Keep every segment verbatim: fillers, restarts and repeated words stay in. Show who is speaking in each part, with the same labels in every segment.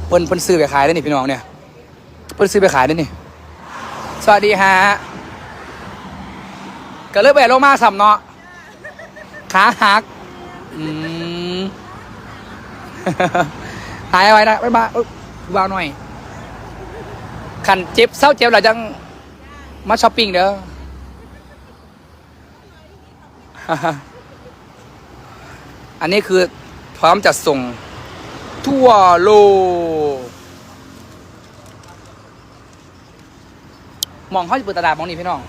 Speaker 1: เพิ่นเพิ่นซื้อไปขายได้นี่พี่น้องเนี่ยเพิ่นซื้อไปขายได้นี่สวัสดีฮะก็เลิกไปลงมาสัมเนาะขาหักอืม หายไว้นะบ๊ายบายว้าวหน่อยขันเจ็บเศร้าเจ็บเราจังมาช้อปปิ้งเด้อ อันนี้คือพร้อมจัดส่งทั่วโลกมองเขาจะเปิดตลาดมองนี่พี่น้อง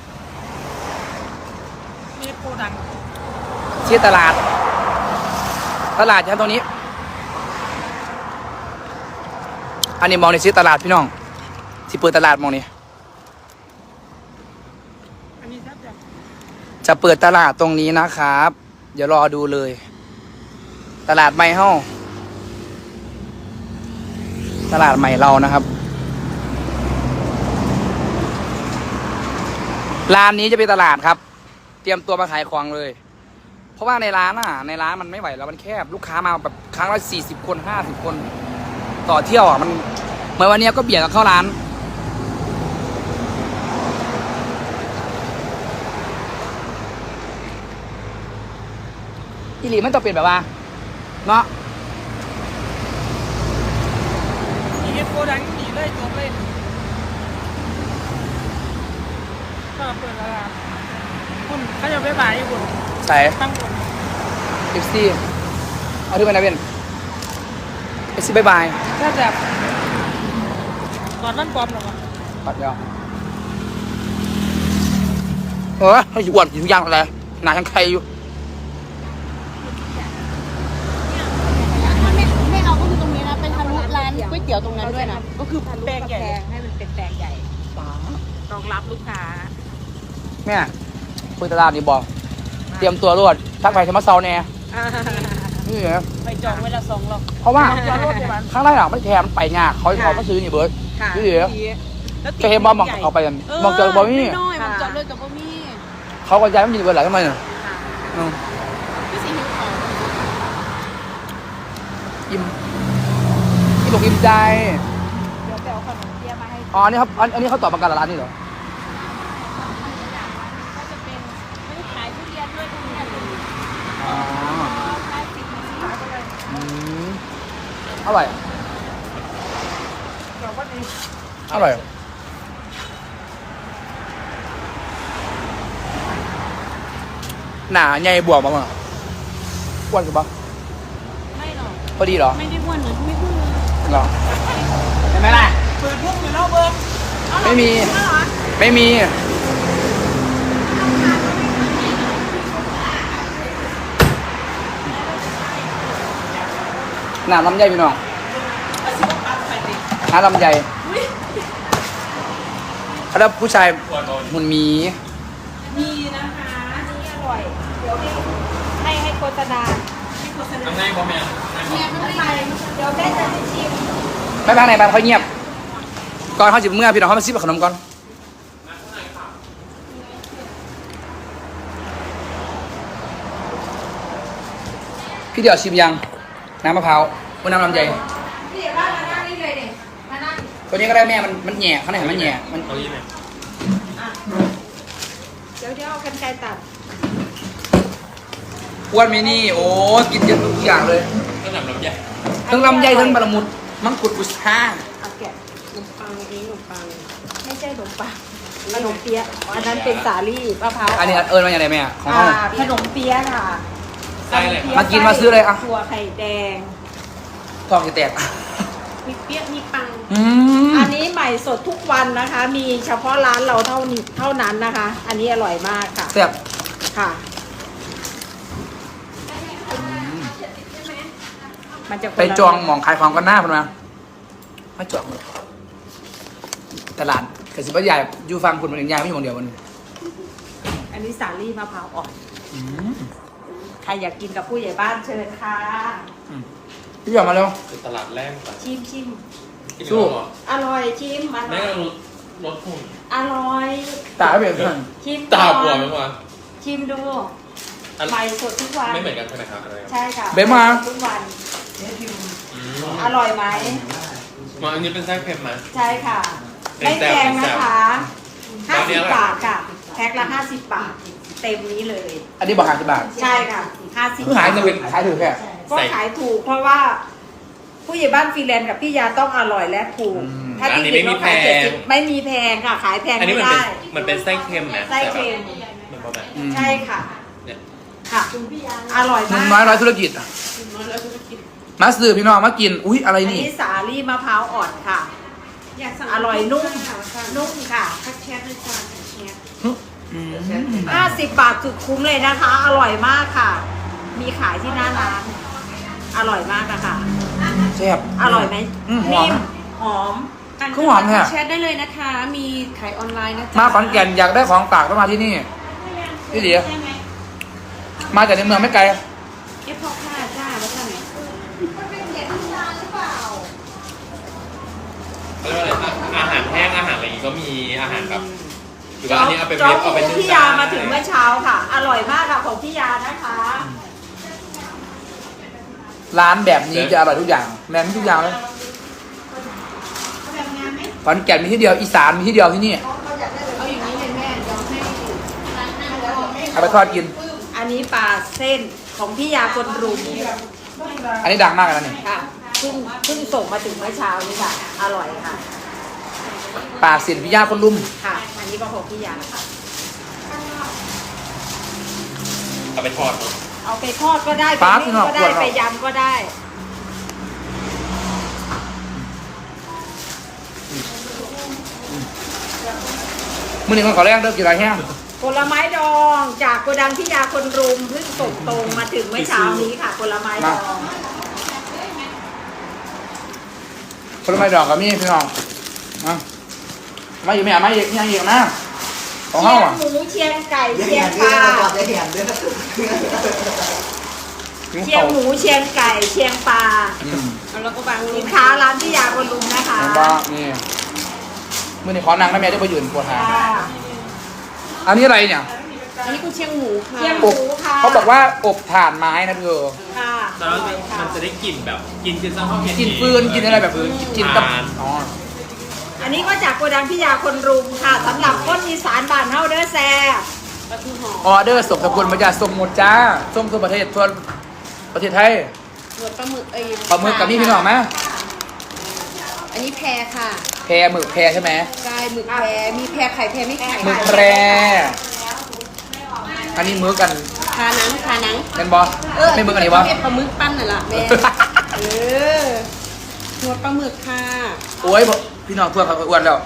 Speaker 2: มีโกดัง
Speaker 1: ชื่อตลาดตลาดชั้นตรงนี้อันนี้มองในชื่อตลาดพี่น้องที่เปิดตลาดมองนี่
Speaker 2: อันนี้ครับ
Speaker 1: จะเปิดตลาดตรงนี้นะครับเดี๋ยวรอดูเลยตลาดใหม่เฮ้าตลาดใหม่เรานะครับร้านนี้จะเป็นตลาดครับเตรียมตัวมาขายของเลยเพราะว่าในร้านอ่ะในร้านมันไม่ไหวแล้วมันแคบลูกค้ามาแบบครั้งละสี่สิบคนห้าสิบคนต่อเที่ยวอ่ะมันเมื่อวันนี้ก็เบียดกับเข้าร้านอีหลีมันต้องเป็นแบบว่าเนาะ
Speaker 2: มีโกดังหนีเลยจบเลยก็เปิดตลาดคุณเขาจะไปบ่ายอยู่คุณ
Speaker 1: ใส่
Speaker 2: ตั้งคุณ
Speaker 1: เอฟซีเอาที่ไปนะเบนเอฟซีบายบาย
Speaker 2: ถ้าแบบก่อนนั่นปลอมหรอวะ
Speaker 1: ปัดเดียวเออให้อ้วนอยู่ย่างอะไรหนาทั้งใครอยู่
Speaker 3: ไม่เอาก็คือตรงนี้นะเป็นทะลุร้านก๋วยเตี๋ยวตรงนั้นด้วยนะก็คือ
Speaker 2: แปลงใหญ่
Speaker 3: ให้มันเป็นแปลงใหญ่
Speaker 2: รองรับลูกค้า
Speaker 1: แม่คุยตลาดนี่บอกเตรียมตัวรวดทักไปเทมัสเซาแน่นี่เหรอ
Speaker 2: ไปจองเวลาสองหรอก
Speaker 1: เพราะว่าข้างไร่หลังไม่แถมไปงาเขาเขาก็ซื้อนี่เบิร์ดนี่เหรอจะเห็นบอลมองเขาไปกันมองเจอบอลนี่
Speaker 3: น้อยมองเจอเลยกับบอลนี่
Speaker 1: เขาก็ย้ายไม่มีเบิร์ดหลายทำไมเนี่ย
Speaker 3: พี่สีหิวของ
Speaker 1: อิ่มอิ่มอกอิ่มใจ
Speaker 3: เดี๋ยวไปเอาขนมเปี๊ยะมาให้
Speaker 1: อ๋อนี่ครับอันนี้เขาตอบประกันร้านนี่เหรอ
Speaker 3: ก็จะเป็นไม่ได้ขายทุเรียนด้วยทุเรียน
Speaker 1: อ๋อ
Speaker 3: ขายสิบสี่สิบก็เลย
Speaker 1: อืมอร่อยอร่อยหนาใหญ่บวกมามั้งอ้วนกันปะ
Speaker 3: ไม่หรอก
Speaker 1: พอดีเหรอ
Speaker 3: ไม่ได้อ้วนเหมือนไม่พูดเลย
Speaker 1: หรอเห็นไหมล่ะ
Speaker 2: เปิดพวกอยู่แล้วเบิ้ง
Speaker 1: ไม่มีไม่มีหนาลำไยพี่น้องหนาลำไยแล้วผู้ชายหุ่นมี
Speaker 3: มีนะคะนี่อร่อยเดี๋ยวให้ให้โฆษณาให้โฆษณา
Speaker 2: ทำไงพ่อแม่
Speaker 3: แม่ไม่ไปเดี๋ยวแม่จะชิม
Speaker 1: ไม่พักไหนไปเขาเงียบก่อนเขาจิบเมื่อพี่น้องเขามาซิบขนมก่อนพี่เดี๋ยวชิมยังน้ำมะพร้าวบนน้ำลำไย
Speaker 3: พี่เดี๋ยวว่ามานั่งนี่เลยเด็กมานั่ง
Speaker 1: ตัวนี้ก็ได้แม่มันมันแหย่ข้างในมันแหย่มัน
Speaker 2: เอาอีกไหม
Speaker 3: เดี๋ยวเดี๋ยวเอากันไกลตัด
Speaker 1: อ้วนมินี่โอ้กินเยอะทุกอย่างเลย
Speaker 2: ทั้งลำไย
Speaker 1: ทั้งลำไยทั้งบารามุดมังคุดบุษรา
Speaker 3: เอาแกะขนมปังนี้ขนมปังไม่ใช่ขนมปังขนมเปี๊ยะอันนั้นเป็นสาลี่มะพร้าว
Speaker 1: อันนี้เอิญมาอย่างไรแม่ของเขา
Speaker 3: ขนมเปี๊ยะค่ะ
Speaker 1: มากินมาซื้อเลยอ่ะ
Speaker 3: ถั่วไข่แดง
Speaker 1: ทองจะแตก
Speaker 3: มีเปี๊ยะมีปัง
Speaker 1: อืม
Speaker 3: อันนี้ใหม่สดทุกวันนะคะมีเฉพาะร้านเราเท่านี้เท่านั้นนะคะอันนี้อร่อยมากค่ะ
Speaker 1: แซ่บ
Speaker 3: ค่ะมันจะ
Speaker 1: ไปจองหมองขายของกันหน้าพันมาไม่จองเลยตลาดกสิบใหญ่อยู่ฟังคุณมันยังใหญ่ไม่อยู่คนเดียวมัน
Speaker 3: อันนี้สาลี่มะพร้าวอ่อนใครอยากกินกับผู้ใหญ่บ้านเชิญค่ะ
Speaker 1: พี่อยากมาเร็ว
Speaker 2: คือตลาดแรก
Speaker 3: ชิมชิม
Speaker 1: สู้
Speaker 3: อร่อยชิมมัน
Speaker 2: แม่รถรถหุ่น
Speaker 3: อร่อย
Speaker 1: ตาเปลี่ยนเพื่อน
Speaker 3: ชิม
Speaker 2: ตาบวมไหมวะ
Speaker 3: ชิมดูใหม่สดทุกวัน
Speaker 2: ไม่เหมือนกันใช่ไหมครับอะไร
Speaker 3: ใช่ค่ะ
Speaker 1: เบมา
Speaker 3: ทุกวันอร่อยไหม
Speaker 4: มาอันนี้เป็นไส้เค็มไหม
Speaker 3: ใช่ค่ะ
Speaker 4: เป็น
Speaker 3: ไม่
Speaker 4: แซ่
Speaker 3: แพ
Speaker 4: บ
Speaker 3: งนะคะ
Speaker 4: ต
Speaker 3: ห้า
Speaker 4: อนนี้
Speaker 3: สิบ
Speaker 4: อะไร
Speaker 3: บาทค่ะ แพ็คละห้าสิบบาท เต็มนี้เลย
Speaker 1: อันนี้บอกหาสิบบาท
Speaker 3: ใช่ค่ะห้าสิบ
Speaker 1: เพิ่งหายเงินเป็นขายถือแค่
Speaker 3: ก็ขายถูกเพราะว่า ผู้ใหญ่บ้านฟรีแลนซ์กับพี่ยาต้องอร่อยและถูก ถ้าที่อื่นเขาขายเจ็ดสิบไม่มีแพงค่ะ ขายแพง
Speaker 4: อันนี้
Speaker 3: ไม่
Speaker 4: มันเป็น
Speaker 3: ได้
Speaker 4: มันเป็นไส้เค็มไหม
Speaker 3: ไส้เค็ม
Speaker 4: เหมือนประมาณ
Speaker 1: อืม
Speaker 3: ใช่ค่ะ
Speaker 4: เนี่ย
Speaker 3: ค่ะ อร่อย
Speaker 1: หนุ่
Speaker 3: มาม ก
Speaker 1: น้อยร้อยธุรกิจมาสื่อพี่น้องมากิน อุ้ยอะไร
Speaker 3: อัน
Speaker 1: นี่
Speaker 3: นี้สาลี่มะพร้าวอ่อนค่ะ
Speaker 2: อยากสั่ง
Speaker 3: อร่อยนุ่ม นุ่มค่ะ
Speaker 2: ทักแชทเลยจ้าทักแชท
Speaker 1: อืม
Speaker 3: ห้าสิบบาทสุดคุ้มเลยนะคะ อร่อยมากค่ะ มีขายที่หน้าร้าน อร่อยมากนะคะ
Speaker 1: แซ่บ
Speaker 3: อร่อยไหม
Speaker 1: อืมหอม
Speaker 3: นิ่หอม
Speaker 1: ข้าวหอมเนี่ย
Speaker 2: แชทได้เลยนะคะ มีขายออนไลน์นะจ๊ะ
Speaker 1: มาขอนแก่นอยากได้ของฝากต้องมาที่นี่พี่เดียมาจากในเมืองไม่ไกล
Speaker 2: เอฟพอค่าจ้าแล้วจ้าไหน
Speaker 4: เขาเรียกว่าอะไรนะอาหารแห้งอาหารอะไรอย่างงี้ก็มีอาหารแบบหรือว่าอันนี้เอาไป
Speaker 3: จ๊อ
Speaker 4: เว็
Speaker 3: บบ
Speaker 4: เอาไป
Speaker 3: หมู
Speaker 4: นึ่ง
Speaker 3: พี่ยามาถึงเมื่อเช้าค่ะ อร่อยมากค่ะของพี่ยานะคะ
Speaker 1: ร้านแบบนี้จะอร่อยทุกอย่างแม่มีทุกอย่างเลยขอนแก่นมีที่เดียวอีสานมีที่เดียวที่นี่
Speaker 2: เอาอย่างนี้เลยแม่เดี๋ยวให้
Speaker 1: เอาไปทอดกิน
Speaker 3: อันนี้ปลาเส้นของพี่ยาคนรุม
Speaker 1: อันนี้ดังมากเลยนะนี่
Speaker 3: ค่ะเพิ่งเพิ่งส่งมาถึงเมื่อเช้านี่ค่ะ อร่อยค่ะ
Speaker 1: ปากเสียนพิยาคนลุ่ม
Speaker 3: ค่ะ อันนี้ก็ของพี่ยาค่ะ
Speaker 4: เอาไปทอดเนอะ
Speaker 3: เอาไปทอดก็ได้
Speaker 1: ปลา
Speaker 3: ไปนึ่งก็
Speaker 1: ที่
Speaker 3: ได้
Speaker 1: นอก
Speaker 3: ไปยำก็ได้
Speaker 1: มือหนึ่งคนขอแรกเลิกกินอะไรแห้ง
Speaker 3: ผลไม้ดองจากโกดังพี่ยาคนรุมเพิ่งส่งตรงมาถึงเมื่อเช้านี้ค่ะผลไม้ดอง
Speaker 1: ผลไม้ดอกกับมีพี่น้องมามาอยู่ไม่อ่ะมาอีกยังอีกนะของ
Speaker 3: เชี
Speaker 1: เฮาย
Speaker 3: ง
Speaker 1: อ่ะ
Speaker 3: หมูเชียงไก่
Speaker 5: เดี๋ยว
Speaker 3: เชีย
Speaker 5: เห็
Speaker 3: ง
Speaker 5: น
Speaker 3: ป
Speaker 5: ด้วย
Speaker 3: ลา
Speaker 5: นะบอกเดี๋ยวเห็นด้วย
Speaker 3: เชียงหมูเชียงไก่เชียงปลา
Speaker 1: อืม
Speaker 2: แล้วก็บาง
Speaker 3: สินค้าร้านพี่ยาคนรุมนะคะ
Speaker 1: เห็นบ่นี่มือหนึ่งขอนางน้ำแม่ได้ไปยืนปวดหา
Speaker 3: ค่ะ
Speaker 1: อันนี้อะไรเนี่ย
Speaker 2: อันนี้คุณเชียงหมูค่ะ
Speaker 3: เชียงห
Speaker 1: อ
Speaker 3: มู
Speaker 1: บ
Speaker 3: ค่ะ
Speaker 1: เขาบอกว่าอบถ่านไม้นะเธอ
Speaker 3: ค่ะ
Speaker 4: แต่ว่ามันจะได้กลิ่นแบบกินคือซังข้าวเผ็ด
Speaker 1: กินฟืนกินอะไรแบบฟืนกินกับ
Speaker 4: ทาน
Speaker 1: อ๋อ
Speaker 3: อันนี้ก็จากโกดังพี่ยาคนรุมค่ะสำหรับคนอีสานบ้านเฮาเด้อแซ่
Speaker 2: ปลาทูหอม
Speaker 1: ออเดอร์ส่งสกุลมาจากส่งหมดจ้าส่งทั่วประเทศทั่วประเทศไทย
Speaker 2: หนวดปลาหมึกเอ้ย
Speaker 1: ปลาหมึกกับนี่พี่น้องไหม
Speaker 2: อันนี้แพรค่ะ
Speaker 1: แพรหมึกแพรใช่ไหม
Speaker 2: กายหมึกแพรมีแพรไข่แพรไม่ไข่
Speaker 1: หมึกแพรอันนี้มื้อกัน
Speaker 2: คาหนังคาหนัง
Speaker 1: เป็นบอไม่มื้อกันนี่วะ
Speaker 2: เอปลาหมึกปั้นน่ะล่ะแม่เออหนวดปลาหมึกค่ะ
Speaker 1: โอ้ยพี่น้องทั่วเขาอ้วนแล้ว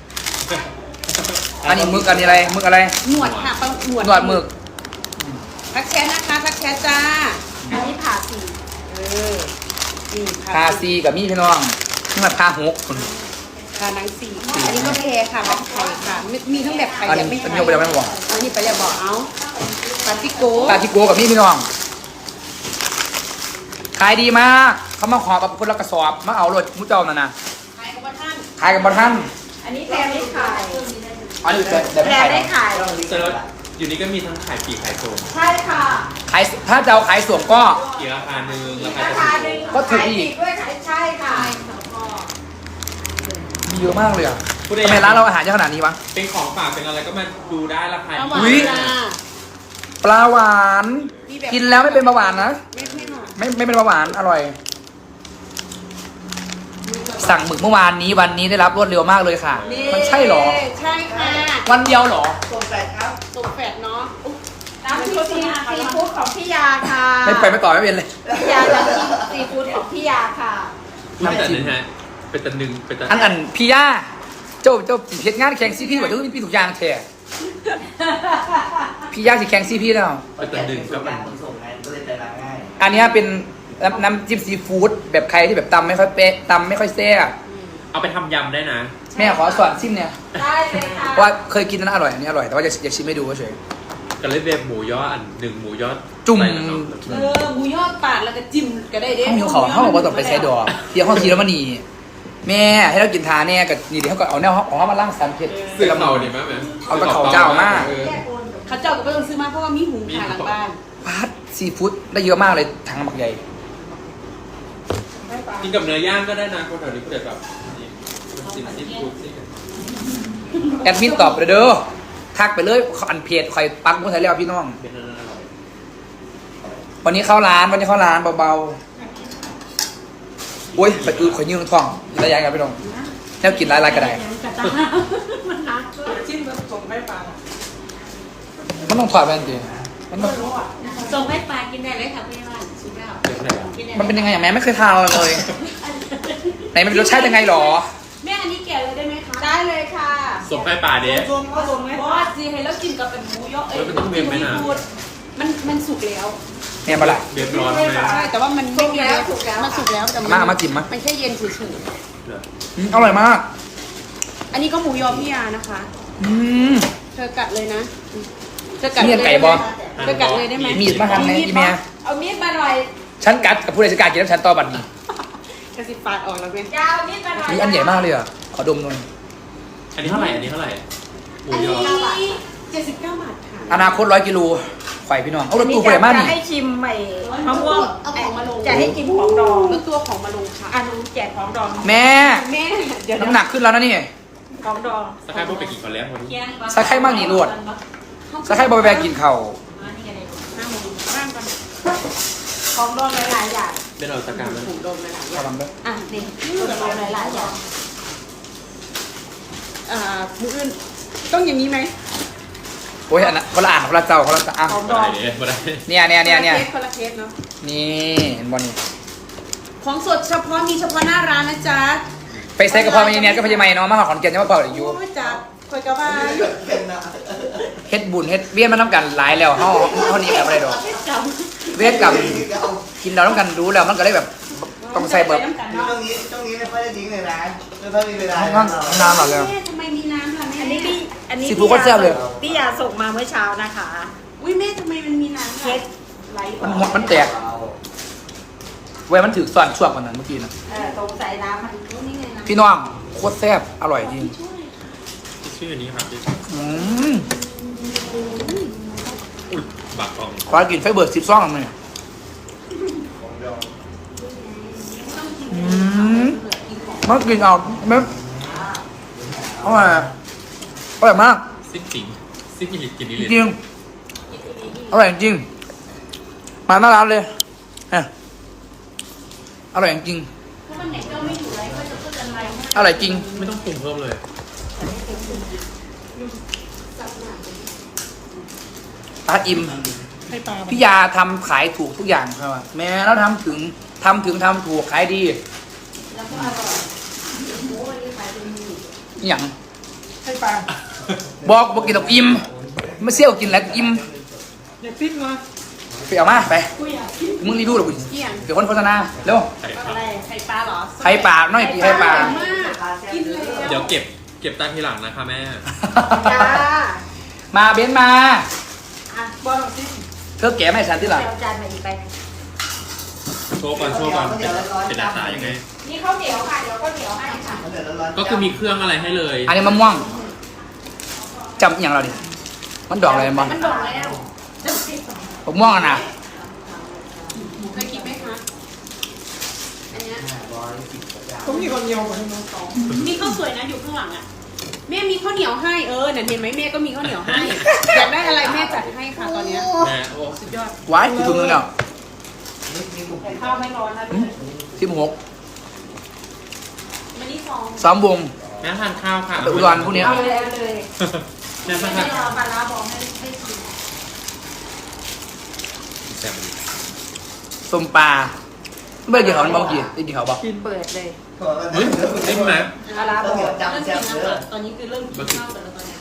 Speaker 1: อันนี้มึกอันนี้อะไรมึกอะไร
Speaker 2: หนวดค่ะปลาหนวด
Speaker 1: หนวดหมึก
Speaker 2: ทักแชทนะคะทักแชทจ้า
Speaker 3: อันนี้ผ่าสี
Speaker 2: เออนี่
Speaker 1: คาซีกับมี่พี่น้องนี่มาคาหกคน
Speaker 2: คาหนังสี่อันนี้ก็แพรค่ะแบบไข่ค่ะมีมีทั้งแบบไข่
Speaker 1: อัน
Speaker 2: แบ
Speaker 1: นี้
Speaker 2: บไม่
Speaker 1: อัน
Speaker 2: ไข่
Speaker 1: นี้ยกไปแล้วไม่บอก
Speaker 2: อันนี้ไปแล้วบอกเอาปาติโก้
Speaker 1: ตาทิโกกับมี่พี่น้อง ขายดีมาก เขามาขอกับคนละกระสอบ มาเอารถมุ้เจ้านั่นนะ
Speaker 2: ขายกับว่าท่าน
Speaker 1: ขายกับบอท่าน
Speaker 3: อันนี้แพรไม่ขาย
Speaker 1: อันนี้แต่แต่
Speaker 3: แพ
Speaker 1: ไม่
Speaker 3: ร
Speaker 1: ขาย
Speaker 3: ไม่
Speaker 1: หรอก
Speaker 3: ขาย
Speaker 4: เจออยู่นี่ก็มีทั้งขายปลีกขายส่ง
Speaker 3: ใช่ค่ะ
Speaker 1: ขายถ้าจะเอาขายส่วนก็
Speaker 4: อีกราคาหนึ่งราคา
Speaker 3: รา
Speaker 4: จะ
Speaker 3: คา
Speaker 4: ถู
Speaker 3: หนึ่ง
Speaker 4: ก
Speaker 1: ก็ถูก
Speaker 3: ขาย
Speaker 1: อี
Speaker 3: ปี
Speaker 1: ก
Speaker 3: กด้วยขายใช่ค่ะ
Speaker 1: มีเยอะมากเลยอ่ะทำไมร้านเราอาหารเยอะขนาดนี้วะ
Speaker 4: เป็นของฝากเป็นอะไรก็มาดูได้ราคา
Speaker 2: เอาหวาน
Speaker 1: อุ๊ย
Speaker 2: จ้า
Speaker 1: ปลาหวาน
Speaker 2: มีแบบ
Speaker 1: กินแล้วไม่เป็นเบาหวานนะ
Speaker 2: ไม่ไม่หวาน
Speaker 1: ไม่ไม่เป็นเบาหวานอร่อย สั่งหมึกเมื่อวานนี้วันนี้ได้รับรวดเร็วมากเลยค่ะ มันใช่เหรอ
Speaker 2: ใช่ค่ะ
Speaker 1: วันเดียวเหรอ
Speaker 5: ส่งแปดครับ
Speaker 2: ส่งแฟดเนาะอุ๊ย
Speaker 3: น้ำจิ้มซีซีฟู้ดของพี่ยาค่ะ
Speaker 1: ไม่ไปไม่ต่อไม่เป็นเลย
Speaker 3: พี่ยาน้ำจิ้มซีฟู้ดของพี่ยาค่ะ
Speaker 4: ไม่แต่นึงฮะเป็นตันหนึ่งเป็นตัน
Speaker 1: อันอันพี่ย่าเจ้าเจ้าสิเพชรงานแข่งซีพีแบบทุกพี่ถูกอยางแท้พี่ย่าสิแข่งซีพีแล้ว
Speaker 4: เป็นตันหนึ่งก็
Speaker 5: ก็
Speaker 4: มัน
Speaker 5: มันส่งไงก็เลยใจร้ายง่าย
Speaker 1: อันเนี้ยเป็นน้ำน้ำจิ้มซีฟู้ดแบบใครที่แบบตำไม่ค่อยเป๊ะตำไม่ค่อยแซ่บ
Speaker 4: เอาไปทำยำได้นะ
Speaker 1: แม่ขอสอนซิมเนี่ย
Speaker 3: ได้เลยค่ะ
Speaker 1: เพราะว่าเคยกินนั้นอร่อยอันนี้อร่อยแต่ว่าอยากอยากชิมให้ดูเฉย
Speaker 4: กันเลยเบบหมูยออันหนึ่งหมูยอ
Speaker 1: จุ่ม
Speaker 4: ใส่น้ำ
Speaker 2: เออหมูยอดปาดแล้วก็จิ้มก็ได้เด้
Speaker 1: ห้องหิวเขาห้องบอกว่าต้องไปใช้ดอกเที่ยวห้องทีแล้วมันนี่แม่ให้เรากินทาแน่กับนี่เดี๋ยวเขาก็เอาแนวของเขามาล่างสันเผ็ด
Speaker 4: ซื้อเขาดีไหมแม่
Speaker 1: เอาตะเขาเจ้ามาก
Speaker 4: เออ
Speaker 2: เขาเจ้าก็ไม่ต้องซื้อมาเพราะว่ามีหุงขายหลังบ้าน
Speaker 1: พาร์ทซีฟู้ดได้เยอะมากเลยทั้งหมักใหญ่
Speaker 3: ไ
Speaker 4: กินกับเนื้อย่างก็ได้นะคนแถวนี้ก็จะแบบสิ่งที่พูดสิ
Speaker 1: แอดมินตอบเลยเด้อทักไปเลยอันเพจคอยปักมุ้งใส่แล้วพี่น้อง
Speaker 4: เป็นอะไรอร่อย
Speaker 1: วันนี้เข้าร้านวันนี้เข้าร้านเบาๆโอ้ยไปอือขอยยืงท้องระยะกันพี่น้องแนวกินหลายๆก็ได้
Speaker 2: มันหนักจิ้มแล้วส่งให้ปลา
Speaker 1: มันต้องถอดแว่นดิมันต้อง
Speaker 6: ส่งให้ปลากินได้เลยค่ะพี่บ้านสุดยอด
Speaker 4: เป็นอะไรอ่ะ
Speaker 6: กินได้
Speaker 1: มันเป็นยังไงอย่างแม่ไม่เคยทานเลยไหนมันเป็นรสชาติยังไงหรอ
Speaker 6: แม่อันนี้แกะเลยได้ไหมคะ
Speaker 3: ได้เลยค่ะ
Speaker 4: ส่งไปป่าเด้
Speaker 2: ส่งก็ส่งไหม
Speaker 6: เพราะว่าจีให้แล้วกินกับเป็นหมูยอเอ้ย
Speaker 4: มันต้องเวียนไหมน่ะ
Speaker 6: มันมันสุกแล้ว
Speaker 1: แม่มาละ
Speaker 4: เดือดร้อนไหม
Speaker 6: ใช่แต่ว่ามันไม่มีแล้วสุกแล้วมันสุกแล้วแต่
Speaker 1: มามาจิ้มมา
Speaker 6: มันแค่เย็นเฉย
Speaker 1: อืมอร่อยมาก
Speaker 6: ๆอันนี้ก็หมูยอพี่ยานะคะ
Speaker 1: อืม
Speaker 6: เธอกัดเลยนะเธอกัด
Speaker 1: มี
Speaker 6: เลย
Speaker 1: ไก่บอ
Speaker 6: เธอกัดเลยได้ไหม
Speaker 1: มีดมาทำไงอีเมีย
Speaker 3: เอามีดมาหน่อย
Speaker 1: ฉันกัดกับผู้ใดจะกล้ากินแล้วฉันต่อบัตรนี้
Speaker 6: กระสิบปาดออกแล้วเว้ย
Speaker 3: ยาวมีดมาหน่อย
Speaker 1: นี่อันใหญ่มากเลยอ่ะขอดมหน่อย
Speaker 4: อันนี้เท่าไหร่อันนี้เท่าไหร่หมู
Speaker 6: อัน
Speaker 4: ย
Speaker 6: นี้
Speaker 4: อ
Speaker 6: เจ็ดสิบเก้าบาทค่ะ
Speaker 1: อนาคตร้อยกิโลไข่พี่น้องเอารถตู้ไปไหนมา
Speaker 3: จะ
Speaker 1: นี่
Speaker 3: ให้ชิมใหม่มะม่วง
Speaker 6: เอาของมาลง
Speaker 3: จะให้ชิมของดอง
Speaker 6: แล้วตัวของมาลงค่ะ
Speaker 3: อันนู้นแจกของดอง
Speaker 1: แม่
Speaker 6: แม่เดี๋ยว
Speaker 1: น้ำหนักขึ้นแล้วนะนี่
Speaker 3: ของดอง
Speaker 4: สักครั้งพวกไปกินก่อนแล้ววันนี้
Speaker 1: สักไข่มากนี่รวด สักให้บอยแบกกินเข่าว
Speaker 6: ห้าโมงบ้านก่อน
Speaker 3: ของดองหลายๆอย่าง
Speaker 4: เป็นเราสักการแล้ว
Speaker 6: ถูกโดนไปหลายอ
Speaker 1: เอา
Speaker 6: ย่าง
Speaker 1: ลำเด้อ
Speaker 6: อ่ะนี่ถูกโดนหลายๆอย่างอ่ามืออื่นต้องอย่างนี้ไหม
Speaker 1: โอ้ยอันนั้นคนละอ่างคนละเจ้าคนละอ่ะ
Speaker 3: ของด
Speaker 4: ได้
Speaker 3: อง
Speaker 4: เด้มาได้
Speaker 1: เนี่ยเนี่ยเนี่ยเนี่ย
Speaker 6: คนละเคสคนละเคสเนาะ
Speaker 1: นี่เห็นบอลนี่
Speaker 6: ของสดเฉพาะมีเฉพาะหน้าร้านนะจ๊ะ
Speaker 1: ไปใส่กระเพาะมีเนี่ยก็พยายามเนาะมาหอขอนแก่นจะมาเป่าอยู่
Speaker 6: โอ้ยจ๊ะคอยกะว่า
Speaker 5: เป็นนะ
Speaker 1: เฮ็ดบุญเฮ็ดเวียนมาน้ำกันหลายแล้วเฮาเฮานี้แบบอะไรดอก
Speaker 6: จ
Speaker 1: เวียนกับกินเราต้องกันรู้แล้วมันก็เลยแบบ
Speaker 6: ำ
Speaker 1: ต้องใส่เบิร์
Speaker 6: น้ำกัน
Speaker 5: ช่ว
Speaker 6: เนาะ
Speaker 5: งนี้ช่วงนี้ไม่ค่อยได้ทิ้งเลยนะไม่ค่อยมีเวลา
Speaker 1: ห้องน้ำหรอแล้ว
Speaker 6: แม่ทำไมมีน้ำล่ะแม่
Speaker 3: อันนี้พี่อันนี้
Speaker 1: ซีฟู้ดก็แซ่บเลย
Speaker 3: พี่ยาส่งมาเมื่อเช้านะคะ
Speaker 6: อุ้ยแม่ทำไมมันมีน้ำ
Speaker 3: เค้
Speaker 6: ล่ะ
Speaker 3: กไลท์
Speaker 1: มันหัวมันแตกเว้ยมันถือซ่อนช่วงกว่านั้นเมื่อกี้นะ
Speaker 3: เออตรงใส่น้ำมัน
Speaker 6: นี่ไงน้ำ
Speaker 1: พี่น้องโคตรแซ่บอร่อยจริง
Speaker 4: ชื่อนี้ครับพี่
Speaker 1: อืม
Speaker 4: อุ้ยบักทอง
Speaker 1: ขอกินไฟเบิร์ดสิบซ่องเลยอืมมันกินเอาไม่อร่อยอร่อยมาก
Speaker 4: ซิกสิงซิกกินกินนี่
Speaker 1: จ
Speaker 4: เลย
Speaker 1: ริงอร่อยจริงมาหน้าร้านเลยเนี่ยอร่อยจริง
Speaker 6: เพราะมันไหนก็ไม่อยู่ไรก็จะพูดอะไรให้
Speaker 1: อร่อยจริง
Speaker 4: ไม่ต้องปรุงเพิ่มเลย
Speaker 1: ปลาอิ่ม
Speaker 2: ให้ปลา
Speaker 1: พี่ยาทำขายถูกทุกอย่างครับแม้แล้วทำถึงทำถึงทำถูกขายดี
Speaker 6: แล้วก็อร่อยหมูวันนี้ขายเป็นหมู
Speaker 1: อหย่าง
Speaker 2: ให้ปลา
Speaker 1: บอกบอกกินตกอิ่มไม่เซี่ยวกินแล้วอิ่ม
Speaker 2: อย่าพริกมา
Speaker 1: ไปเอามาไป
Speaker 6: กูอยากกิน
Speaker 1: มึงรีวิวหรอกู
Speaker 6: เกี่ยง
Speaker 1: เดี๋ยวคนโฆษณาเร็ว
Speaker 4: ไข่ครับ
Speaker 6: อะไรไข่ปลาเหรอ
Speaker 1: ไข่ปลาน้อยปีไข่ปลา
Speaker 6: อร่อยมากกินเลย
Speaker 4: เดี๋ยวเก็บเก็บตังค์ทีหลังนะคะแม่
Speaker 3: จ้า
Speaker 1: มาเบนซ์มา
Speaker 3: อ่ะบอลซิ
Speaker 1: เธอแก่ไม่ฉันที่หลัง
Speaker 3: เดี๋ยวจานมาอีกไป
Speaker 4: โชว์ก่อนโชว์ก่อนเป็นเป็นหน้าตายังไง
Speaker 3: นี่ข้าวเหนียวค่ะ เดี๋ยวข้าวเหนียวให้ค่ะ
Speaker 5: เดือดร้อน
Speaker 4: ก็คือมีเครื่องอะไรให้เลย
Speaker 1: อันนี้มะม่วงจำอหย่างเราดิมันดอกอะไรมัน
Speaker 6: มันดอกแล้ว
Speaker 1: มะม่วงอะนะ
Speaker 6: เคยกินไหมคะอันเนี้ย
Speaker 2: ต้องมีคนเดียวกับน้องสอง
Speaker 6: มีข้าวสวยนะอยู่ข้างหลังอ่ะแม่มีข้าวเหนียวให้เออเนี่ยเห็นไหมแม่ก็มีข้าวเหนียวให้อยากได้อะไรแม่จัดให้ค่ะตอนเนี้ย
Speaker 4: แม่โอ้
Speaker 6: สุดยอด
Speaker 1: ไว้อีกถุงนึงเนี่ย
Speaker 3: แต่ข้าวไม่ร้อนนะ
Speaker 1: สิบหก
Speaker 6: มันนี่ซอง
Speaker 1: ซ้อมวง
Speaker 4: แม่ทานข้าวค่ะ
Speaker 1: ไปอุดรพวกเนี้ย
Speaker 3: เอาเลยเอาเลย
Speaker 4: แม่ทาน
Speaker 6: ไม่
Speaker 4: ข้าว
Speaker 6: รอปลาร้าบอกให้ให้ชิม
Speaker 4: แซ่บดี
Speaker 1: ส้มปลาไม่ได้กินเขามันบอกกี่ได้กินเขาบอก
Speaker 3: เปิดเลย
Speaker 4: เฮ้ยได้ไหม
Speaker 3: ปลาร้าบอก
Speaker 6: เริ่ม
Speaker 5: จำ
Speaker 6: กิ
Speaker 5: แซ่
Speaker 6: น
Speaker 5: บ
Speaker 6: แล้ว
Speaker 5: เย
Speaker 6: ค่ะ
Speaker 5: อะ
Speaker 6: ตอนนี้คือเริ่มกินข้าวกันแล้วตอนเนี้ย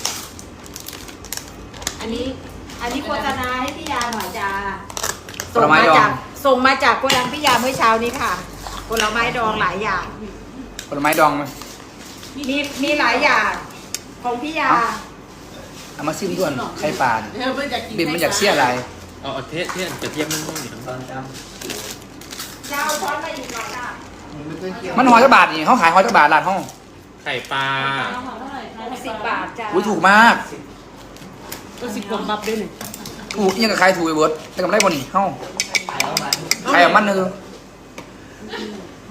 Speaker 3: อันนี้ อันนี้โฆษณาให้พี่ยาหน่อยจ้า
Speaker 1: ผลไม้ดอง
Speaker 3: จากส่งมาจากโกดังพี่ยาเมื่อเช้านี้ค่ะผลไม้ดองหลายอย่าง
Speaker 1: ผลไม้ดองไหม
Speaker 3: มีมีหลายอย่าง ของพี่ยา
Speaker 1: เอามาซิมด่วนไข่ปลาเนี่ย
Speaker 6: เออมันอยากกิน
Speaker 1: บินมันอยากเสี้ยอะไร
Speaker 4: เอาเอาเทสเทสกระเทียมนั่นนู่นอยู่ทั้ง
Speaker 5: ตอนจ
Speaker 3: เจ้าช้อนมาอีกหน่อยค่ะ
Speaker 5: ำไม่ค่อยเคี่ยว
Speaker 1: มันหอยจักบาทนี่เขาขายหอยจักบาทร้านห้อง
Speaker 4: ไข่ปลา
Speaker 3: หกสิบบาทจ้า
Speaker 1: อุ้ยถูกมาก
Speaker 6: ก็สิบกว่าบับด้วยหนึ่ง
Speaker 1: ถูกยังกับขายถูกไอ้เบิร์ดแต่กำไรบ่นี่ห้อง
Speaker 5: ขายประมาณ
Speaker 1: ขายเอามันนึง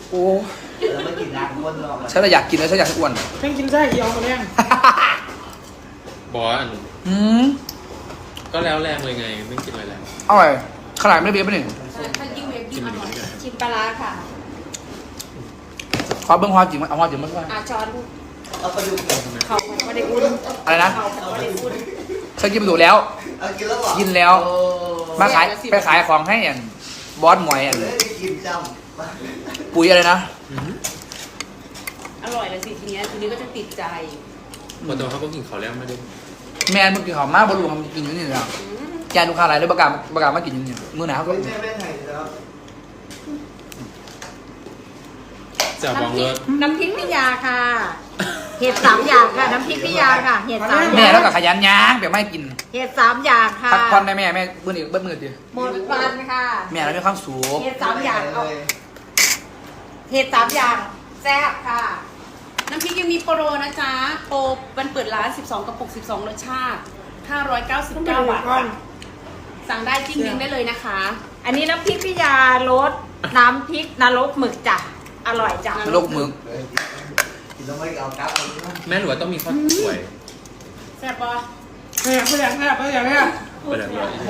Speaker 1: โอ้
Speaker 5: แล้วไม่กินน้ำคนรอบ
Speaker 1: ฉันจะอยากกินแล้วฉันอยากให้อ้วน
Speaker 2: เพิ่งกินไส้เอียวมาแรง
Speaker 4: บอสอัน
Speaker 1: อืม
Speaker 4: ก็แล้วแรงเลยไงไม่กินอะไรแล้ว
Speaker 1: อร่อยขนาดไม่ได้เบียร์ป่ะนี่
Speaker 6: ถ้ายิ่งเวฟยิ่งอร่อย
Speaker 3: ชิมปลาร้าค่ะ
Speaker 1: ขอเบิ้งความจริงมันเอาความจริงมาด้วย
Speaker 3: อาช้อน
Speaker 5: เอาไปดู
Speaker 3: เขาไม่ได้อุ่น
Speaker 1: อะไรนะ
Speaker 3: เขาไม่ได้อุ่น
Speaker 1: ฉันกินไปดูแล้ว
Speaker 5: เอากินแล้วเหรอ
Speaker 1: กินแล้ว
Speaker 5: โอ้
Speaker 1: มาขายไปขายของให้อันบอสหมวยอัน
Speaker 5: เฮ้ยได้กินจำ
Speaker 1: ปุ๋ยอะไรนะ
Speaker 6: อร่อยแล้วสิทีนี้ทีนี้ก็จะติดใจ
Speaker 4: บอสตัวเขาก็กินเขาวแล้วไม่ได้
Speaker 1: แมนมึงกินของมากบอลลูนทำกินอยู่นี่แล้วแกลูกค้าอะไรเลยประกาศประกาศมากินอยู่นี่มือหนาวก็
Speaker 5: เฮ้ยแม่แม่ไทยแล้ว
Speaker 4: จะบองเลิศ
Speaker 3: น้ำพริกพิยาค่ะ เห็ดสามอย่างค่ะ น้ำพริกพิยาค่ะ เห็ดสามอ
Speaker 1: แม่
Speaker 3: ย่าง
Speaker 1: แล้วก็ขยันย่างเดี๋ยวไม่กิน
Speaker 3: เห็ดสามอย่างค่ะ
Speaker 1: พักผ่อนได้แม่แม่เบิ้ลอีกเบิ้ลมือดิ
Speaker 3: หมดวันค่ะ
Speaker 1: แม่เราไม่ความสูง
Speaker 3: เห็ดสามอย่างเอาเห็ดสามอย่างแซ่บค่ะ
Speaker 6: น้ำพริกยังมีโปรนะจ๊ะโปรวันเปิดร้านสิบสองกระปุกสิบสองรสชาติห้าร้อยเก้าสิบเก้าบาทค่ะสั่งได้จิ้มลิงก์ได้เลยนะคะ
Speaker 3: อันนี้น้ำพริกพิยารสน้ำพริกนรกหมึกจ้ะ อร่อยจ้ะ
Speaker 1: โลกมึง
Speaker 5: กินแล้วไม่เอากลับเลยนะ
Speaker 4: แม่หรือว่าต้องมีข้าวสวย
Speaker 6: แซ่บปะ
Speaker 2: แม่ไม่อยากแม่ไม่อยากแม่
Speaker 4: เปิดอะไร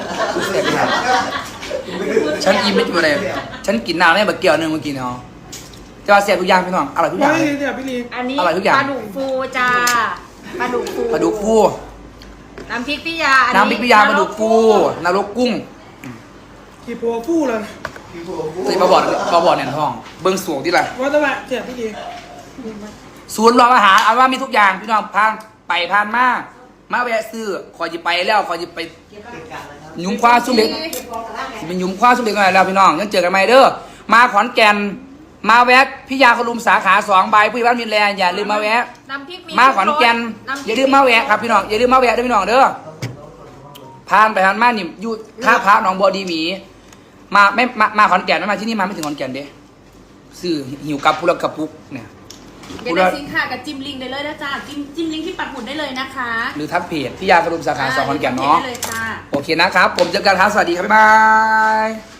Speaker 1: ฉันกินไม่กินอะไรฉันกินน้ำได้แบบเกี่ยวหนึ่งเมื่อกี้เนาะจะว่าเสียทุกอย่างพี่น้องอร่อยทุกอย่าง
Speaker 2: ไม่
Speaker 1: เลย
Speaker 2: เดี๋ยวพี่ลี
Speaker 3: อันนี้
Speaker 1: อร่อยทุกอย่าง
Speaker 3: ปลาดุกฟูจ้าปลาดุกฟู
Speaker 1: ปลาดุกฟู
Speaker 3: น้ำพริกพิยาอั
Speaker 1: น้ำพริกพิยาปลาดุกฟูนรกกุ้ง
Speaker 2: กี่ปัวฟู่เลย
Speaker 5: พี่บัวบัว
Speaker 1: ตีปลาบอดปลาบอดเนี่ยท้อง เบิ้งสูงที่ไร
Speaker 2: ว่าแต่ว่าเจ็บพี่ลี
Speaker 1: ศูนย์รองอาหารเอาว่ามีทุกอย่างพี่น้องพานไปพานมามาแวะซื้อขอจิไปแล้วขอจิไป
Speaker 5: เก่งกันนะครับ
Speaker 1: ยุ้มคว้าซุ้มเล็กสิเป็นยุ้มคว้าซุ้มเล็กหน่อยแล้วพี่น้องยังเจอกันไหมเด้อมาขอนแก่นมาแวะพิยาคลุมสาขาสองใบผู้ใหญ่บ้านมินแลนด์อย่าลืมมาแวะ
Speaker 3: น้ำพริก
Speaker 1: มาขอนแก่น
Speaker 3: น้ำพริก
Speaker 1: อย่าลืมมาแวะครับพี่น้องอย่าลืมมาแวะด้วยพี่น้องเด้อผ่านไปผ่านมานี่อยู่ท่าพระหนองบัวดีหมี มาไม่มามาขอนแก่นไม่มาที่นี่มาไม่ถึงขอนแก่นเด้ซื้อหิวกับพุระกับปุกเนี่ย
Speaker 6: เดี๋ยวได้สินค้ากับจิ้มลิงก์ได้เลยนะจ๊ะจิ้มจิ้มลิงก์ที่ปักหมุดได้เลยนะคะ
Speaker 1: หรือทักเพจพิยาคลุมสาขาสองขอนแก่นเนาะ
Speaker 6: ได้เลยค่ะ
Speaker 1: โอเคนะครับ ผมเจอกันครับสวัสดีครับบ๊ายบาย